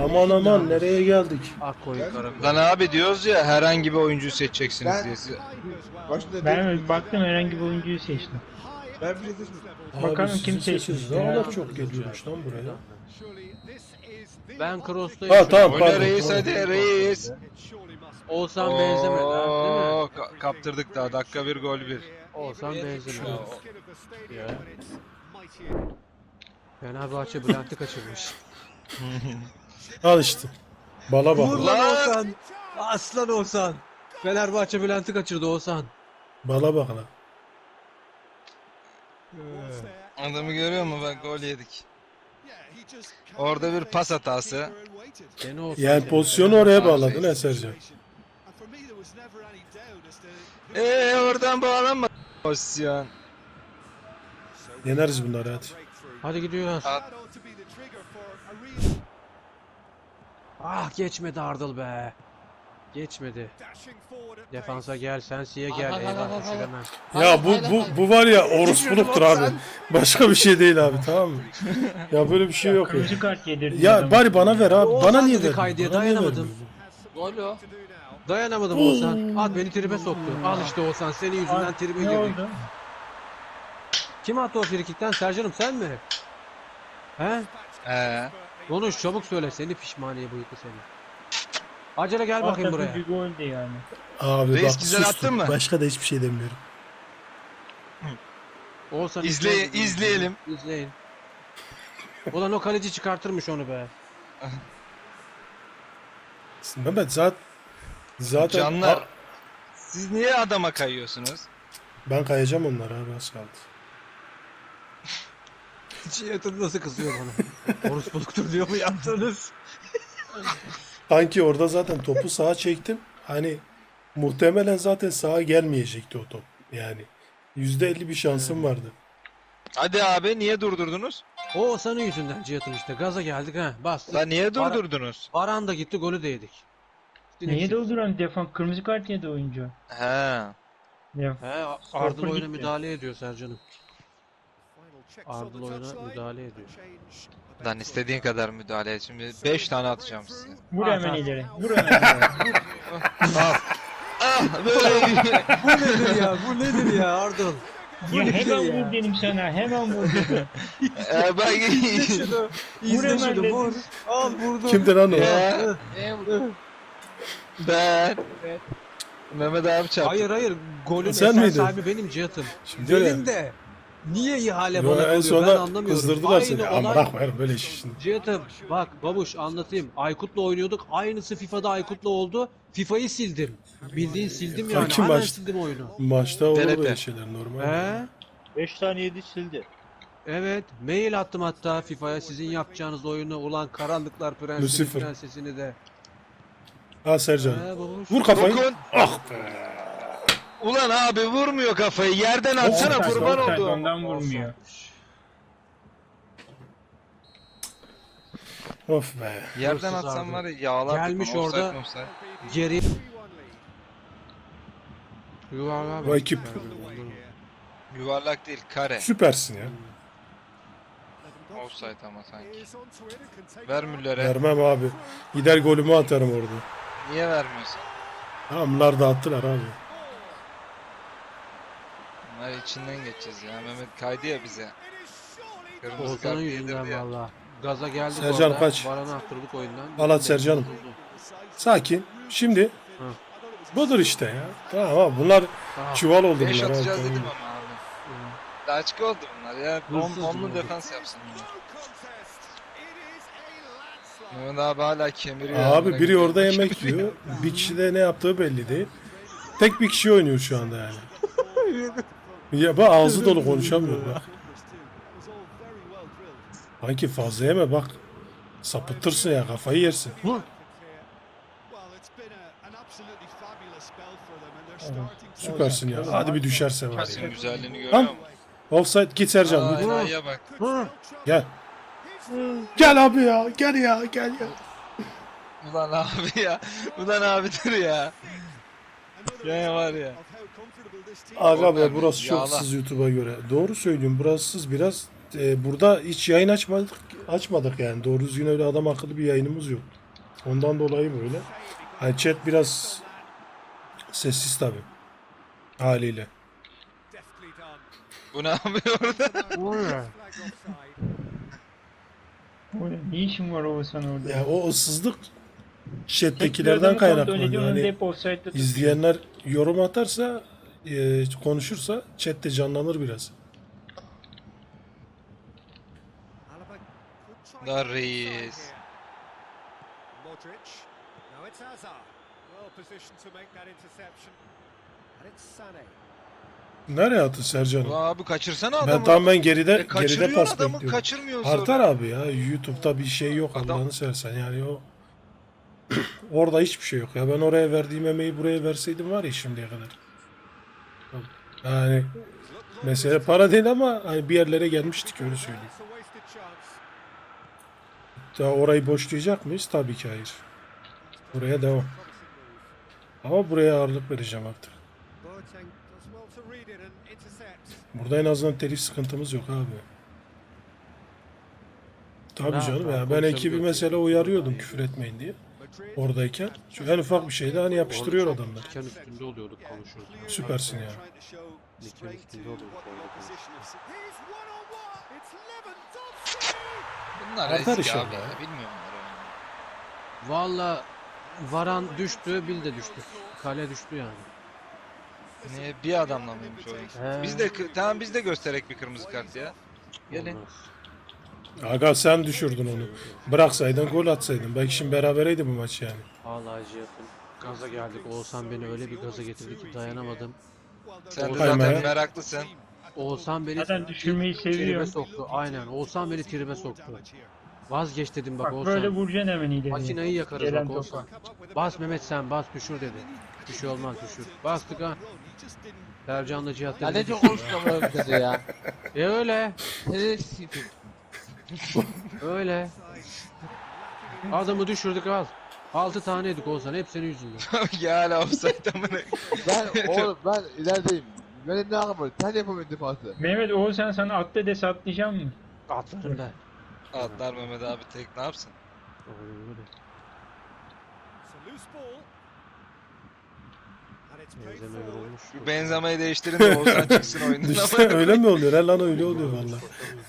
Aman aman nereye geldik? Akkoyun karakol. Lan abi diyoruz ya herhangi bir oyuncuyu seçeceksiniz Ben- diye. Başta Ben baktım herhangi bir oyuncuyu seçtim. Ben bir şey seçmedim. Bakalım Abi kim sizi seçmiş seçiniz. ya. Ne kadar çok geliyormuş lan buraya. Ben Cross'tayım. Ha tamam Oyna pardon. reis Tamam. hadi reis. Oğuzhan benzemedi ha değil mi? Oo, kaptırdık daha dakika bir gol bir. Oğuzhan benzemedi. Ya. Fenerbahçe Bülent'i kaçırmış. Al işte. Bala bak. Vur lan. lan Oğuzhan. Aslan Oğuzhan. Fenerbahçe Bülent'i kaçırdı Oğuzhan. Bala bak lan. Adamı görüyor musun bak gol yedik. Orada bir pas hatası. Gene Oğuzhan. Yani seni. pozisyonu oraya bağladın ha Sercan. Oradan bağlanma. Pozisyon. Yeneriz bunları hadi. Hadi gidiyoruz. At. Ah geçmedi Ardıl be. Geçmedi. Defansa gel, Sensi'ye gel. Eyvah düşüremem. Ya bu var ya orospuluktur abi. Başka bir şey değil abi tamam mı? Ya böyle bir şey yok ya. Kırmızı kart yedirdi. Ya bari bana ver abi. Oğuzhan Bana niye dedi verdin? kaydıya, Bana niye dayanamadım. vermiyorsun? Gol o. Dayanamadım Oğuzhan. At beni tribe soktu. Al işte Oğuzhan senin yüzünden tribe Ne girdik. oldu? Kim attı o frikikten? Sercan'ım sen mi? He? Konuş çabuk söyle. Seni pişmaniye bıyıklı seni. Acele gel bakayım buraya. Bir goldü yani. Abi Reis bak güzel sustum. attın mı? Başka da hiçbir şey demiyorum. Oğuzhan İzleyelim. İzleyin. Ulan o kaleci çıkartırmış onu be. Mehmet zaten Canlar. Siz niye adama kayıyorsunuz? ben kayacağım onlara abi az kaldı. Cihat'ın nasıl kızıyor bana. Orospuluktur diyor mu yaptınız? Kanki orada zaten topu sağa çektim. Hani muhtemelen zaten sağa gelmeyecekti o top. Yani %50 bir şansım vardı. Hadi abi niye durdurdunuz? O senin yüzünden Cihat'ın işte. Gaza geldik ha. Bastık. Lan niye durdurdunuz? Baran da gitti golü de yedik. Neye dolduran defan? Kırmızı kart yedi oyuncu. He. Ya. He Stopper Ardıl oyuna gitti. müdahale ediyor Sercan'ım. Ardıl oyuna müdahale ediyor. Lan istediğin kadar müdahale et. Şimdi 5 tane atacağım size. Vur Ah, hemen ah. ileri. Vur hemen ileri. Ah böyle Bu nedir ya? Bu nedir ya Ardıl? Ya nedir hemen ya? vur dedim sana. Hemen vur dedim. bak İzle şunu. İzle hemen şunu. dedim. Vur. Al vurdum. Kimdi lan o? Ya, ben Mehmet abi çarptı. Hayır. Golün Sen esas miydin? sahibi benim Cihat'ım. Şimdi öyle. Benim de. Niye ihale Yo, bana en kalıyor ben sonunda anlamıyorum. kızdırdılar seni. Aynı Ama olay. bırakma ya böyle iş şimdi. Cihat'ım bak babuş anlatayım. Aykut'la oynuyorduk. Aynısı FIFA'da Aykut'la oldu. FIFA'yı sildim. Bildiğin sildim yani. Kanki Hemen maç- sildim oyunu. Maçta olur TRT. böyle şeyler normal. He? 5 tane yedi sildi. Evet. Mail attım hatta FIFA'ya sizin yapacağınız oyunu ulan karanlıklar prensesi Lucifer. prensesini de. Ha Sercan. He babuş. Vur kafayı. Dokun. Ah be. Ulan abi vurmuyor kafayı. Yerden atsana Offside, kurban offside, oldu. Ondan vurmuyor. Of be. Yerden Hırsız atsan abi. var ya yağlar. Gelmiş tutmam, orada. offside, offside. Geri. Yuvarlığa Bu bak. ekip. Yuvarlak değil kare. Süpersin ya. Offside ama sanki. Ver Müller'e. Vermem abi. Gider golümü atarım orada. Niye vermiyorsun? Tamamlar da attılar abi. Bunlar içinden geçeceğiz ya. Mehmet kaydı ya bize. Kırmızı Oğuzhan'ın kart yüzünden yedirdi ya. valla. Gaza geldik Sercan orada. kaç. Baran'ı attırdık oyundan. Al at Sercan'ım. Sakin. Şimdi Hı. budur işte ya. Tamam abi bunlar Tamam. çuval oldu 5 bunlar. abi, atacağız tamam. dedim ama abi. Daha açık oldu bunlar ya. Hırsız Onlu bunlar. defans yapsın bunlar. Mehmet abi hala kemiriyor. Abi biri orada yemek yiyor. Bir kişi de ne yaptığı belli değil. Tek bir kişi oynuyor şu anda yani. Ya bak ağzı dolu konuşamıyor bak. Sanki fazla yeme bak. Sapıtırsın ya kafayı yersin. Süpersin ya. Hadi bir düşerse var Pasın ya. güzelliğini görüyor Lan. musun? Offside git Sercan. Aa, lütfen. enayiye bak. Gel. Gel abi ya. Gel ya. Gel ya. Ulan abi ya. Ulan abi dur ya. Ya var ya. Aga be Korkma, burası çok yağla. sız YouTube'a göre. Doğru söylüyorum burası sız biraz. Burada hiç yayın açmadık yani. Doğru düzgün öyle adam akıllı bir yayınımız yok. Ondan dolayı böyle. Yani chat biraz sessiz tabii. Haliyle. Bu ne yapıyor orada? O ne? O ne işin var Oğuzhan orada? Ya o ıssızlık Tek bir chat'tekilerden adamı kontrol kaynaklanıyor. ediyor, onu da Hani hep offside'da tutuyor. izleyenler yorum atarsa, konuşursa chat de canlanır biraz. Da reis. Modric. Now it's Hazard. Well positioned to make that interception. And it's Sané. Nereye attı Sercan'ım? Ulan abi kaçırsana Ben adamı. tamamen geride Kaçırıyor pas adamı, bekliyorum. kaçırmıyor sonra. Artar abi ya. YouTube'da bir şey yok Adam- Allah'ını seversen. Yani o orada hiçbir şey yok ya. Ben oraya verdiğim emeği buraya verseydim var ya şimdiye kadar. Yani mesele para değil ama hani bir yerlere gelmiştik öyle söyleyeyim. It's a wasted chance. Daha orayı boşlayacak mıyız? Tabii ki hayır. Buraya devam. Ama buraya ağırlık vereceğim artık. Boateng does well to read it and intercept. Burada en azından telif sıkıntımız yok abi. Tabii Rahat canım rahat ya. Ben ekibi konuşabiliyorsun. mesela uyarıyordum küfür etmeyin diye. Madrid. Oradayken. Çünkü en ufak bir şeyde hani yapıştırıyor adamlar. Diken üstünde oluyorduk konuşurken. Süpersin ya. Diken üstünde oluyorduk orada konuşurken. He's one on one. It's Lewandowski. Bunlar Artar eski inşallah abi. ya. Bilmiyorum bunları. Valla Varan düştü, Bil de düştü. Kale düştü yani. Niye bir adamla mıymış oyun? He. Biz de tamam biz de göstererek bir kırmızı kart ya. Gelin. Olmaz. Aga sen düşürdün onu. Bıraksaydın gol atsaydın. Belki şimdi berabereydi bu maç yani. Vallahi Cihat'ım. Gaza geldik. Oğuzhan beni öyle bir gaza getirdi ki dayanamadım. Sen de Kaymaya. zaten meraklısın. Oğuzhan beni Zaten düşürmeyi tribe seviyor. soktu. Aynen. Oğuzhan beni tribe soktu. Vazgeç dedim bak Bak Oğuzhan. böyle vuracaksın hemen ileri. Makineyi yakarız Gelen bak topa. Oğuzhan. Bas Mehmet sen bas düşür dedi. Bir şey olmaz düşür. Bastık ha. Sercan'la Cihat Ya dedi. ne çok konuşuyorum böyle bir de ya. Öyle. Ne siktir. Öyle. Adamı düşürdük al. 6 taneydik Oğuzhan. Hep senin yüzünden. ya hala offside amına. Ben oğlum ben ilerideyim. Benim ne hakkım var? Sen yapamıyorsun defansı. Mehmet Oğuzhan sana atla des atlayacak mı? Atlarım da. Atlar Mehmet abi tek ne yapsın? Öyle. It's a loose ball. And it's played Benzeme forward. yorulmuş. Şu benzemeyi değiştirin de Oğuzhan çıksın oyundan. İşte öyle mi oluyor? He lan öyle oluyor valla.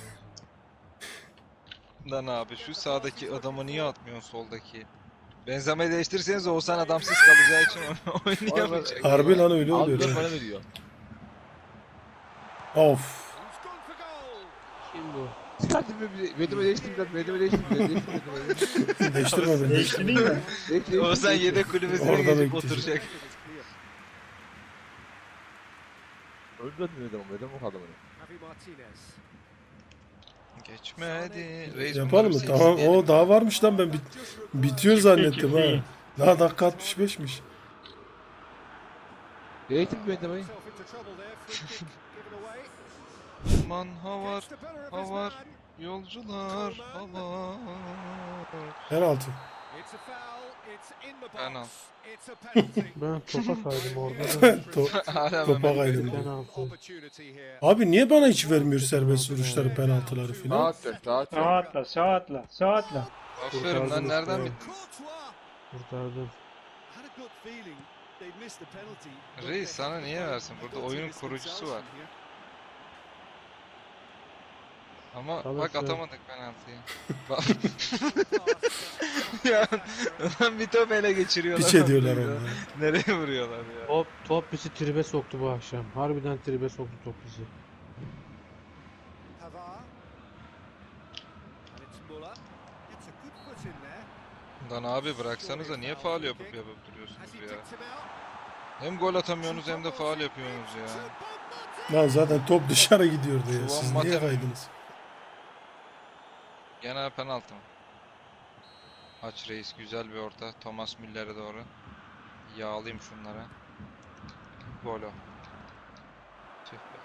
Lan abi şu sağdaki adamı niye atmıyorsun soldaki? Benzemeyi değiştirirseniz Oğuzhan adamsız kalacağı için oynayamayacak. Harbi lan öyle Abi oluyor. dört he. bana veriyor. Of. Who's gone for goal? Kim bu? Çıkartın bir vedime değiştim biraz. Vedime değiştim biraz. Değiştirme beni. Değiştirdin mi? Oğuzhan yedek kulübesine Orada geçip bekleyecek. oturacak. Öldürdün vedime. Vedime o kadar. Javi Martinez. Geçmedi. Reis Yapalım mı? bunları Tamam. seçsin O daha varmış lan ben bitiyor zannettim ha. Peki. Daha dakika 65'miş. Değiştim vedemeyi. Himself into trouble there. Free kick given away. diyelim. Aman havar, Gets the better of his havar, man. yolcular, havar. Penaltı. It's a foul. It's in the box. Penaltı. It's a penalty. Ben topa kaydım orada. Hala Topa Mehmet. kaydım. Penaltı. Opportunity here. Abi niye bana hiç vermiyor serbest vuruşları, penaltıları Sağ filan? atacak, sağ atacak. Sağ atla, sağ atla, sağ atla. Aferin lan nereden Kurtardım bitti? Kurtardım. Had a good feeling they'd missed the penalty. but Reis they sana had niye the versin? goal. Burada They've oyunun got to kurucusu themselves var. in here. Ama bak Alırsa. atamadık penaltıyı. Bak. ya lan bir top ele geçiriyorlar. Piç ediyorlar onu. Nereye vuruyorlar ya? Top bizi tribe soktu bu akşam. Harbiden tribe soktu top bizi. Pavard. And it's Muller. Gets a good foot in there. Lan abi bıraksanıza niye faul yapıp Has duruyorsunuz he ya? picked him out? Hem gol atamıyorsunuz hem de faul yapıyorsunuz ya. Lan zaten top dışarı gidiyordu ya. Siz Ulan niye Mate- kaydınız? Gene penaltı mı? Aç reis güzel bir orta. Thomas Müller'e doğru. Yağlayayım şunlara. Gol o. Tüh be.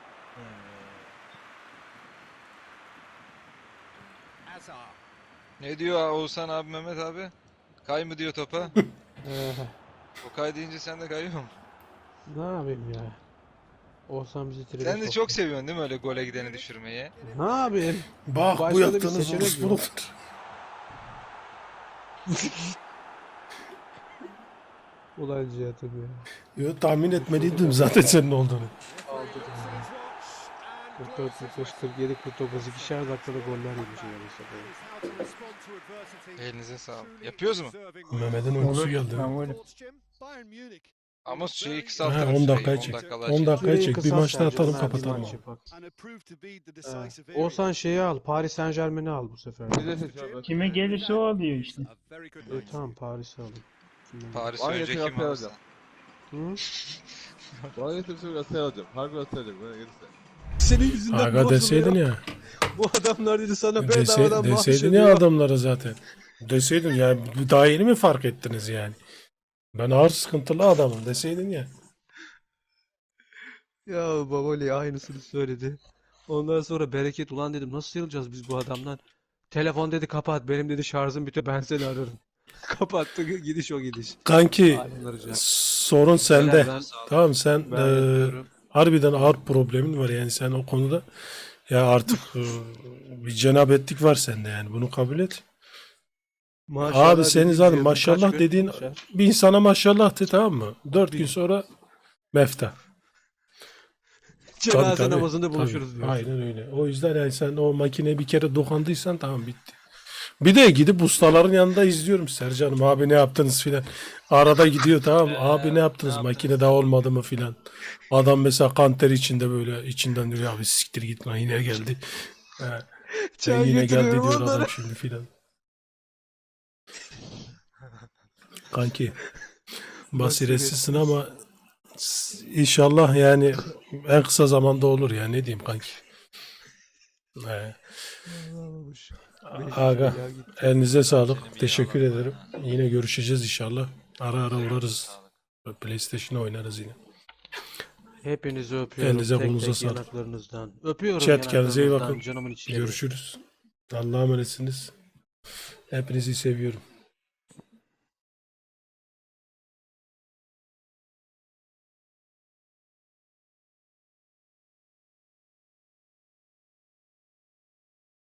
Hazard. Ne diyor Oğuzhan abi Mehmet abi? Kay mı diyor topa? O kay deyince sen de kayıyor musun? Ne yapayım ya? Olsam bizi tribe Sen de soktu. çok seviyorsun değil mi öyle gole gideni düşürmeyi? Ne yapayım? Bak bu Başka da bir yaptığınız seçenek vuruş yok. budur. Ulan Cihat'ım ya. Yo, tahmin etmeliydim zaten senin olduğunu. 44, 45, 47, 49 ikişer dakikada goller yemiş yani. How to respond to adversity. Elinize sağlık. Yapıyoruz mu? Mehmet'in uykusu geldi. Ben varım. Bayern Munich Ama süreyi Ha, kısaltırım 10 süreyi. dakikaya 10 çek. dakikalığa 10 çek. dakikaya çek. Bir Kısas maçta Sercan, atalım ha, bir kapatalım. maç yapak. and it proved to be the Ha. decisive area. Olsan şeyi al. Paris Saint Germain'i al bu sefer. Bir de seç abi. Kime gelirse o alıyor işte. A very good night. Tamam Paris'i alayım. Paris Var ya, önce kim Galatasaray'ı alırsa. alacağım. Hı? Bana getirse Galatasaray'ı alacağım. Harbi Galatasaray'ı alacağım. Bana gelirse. Senin yüzünden Aga deseydin ya. Bu adamlar dedi sana Deseydin ya adamlara zaten. Deseydin ya, daha yeni mi fark ettiniz yani? Ben ağır sıkıntılı adamım deseydin ya. Ya Baboli aynısını söyledi. Ondan sonra Bereket ulan dedim nasıl sıyrılacağız biz bu adamdan? Telefon dedi kapat benim dedi şarjım bitiyor ben seni ararım. Kapattı gidiş o gidiş. Kanki Alemler hocam. sorun sende. Ben- Tamam sen Ben yapıyorum. harbiden ağır problemin var yani sen o konuda. Ya artık bir cenabetlik var sende yani bunu kabul et. Maşallah Abi senin dediğin zaten diyor, maşallah kaç gün dediğin düşer? bir insana maşallah de, tamam mı? 4 gün sonra mefta. Cenaze Tabii, namazında tabii. buluşuruz diyorsun. Aynen öyle. O yüzden yani sen o makineye bir kere dokandıysan tamam bitti. Bir de gidip ustaların yanında izliyorum Sercan'ım abi ne yaptınız filan. Arada gidiyor tamam mı? Abi ne yaptınız makine daha olmadı mı filan. Adam mesela kanter içinde böyle içinden diyor abi siktir git lan yine geldi. He. Çay Yine geldi getiriyorum diyor onlara. adam şimdi filan. Kanki basiretsizsin ama inşallah yani en kısa zamanda olur ya ne diyeyim kanki. He. Aga elinize sağlık. Senin bir Teşekkür yağlar var ederim. ha. Yine görüşeceğiz inşallah. Ara ara uğrarız. Sağlık. PlayStation oynarız yine. Hepinizi öpüyorum. Elinize, tek kolunuza tek sağlık. yanaklarınızdan. Öpüyorum Chat, kendinize iyi yanaklarınızdan, bakın. canımın içleri. Görüşürüz. Allah'a emanetsiniz. Hepinizi seviyorum.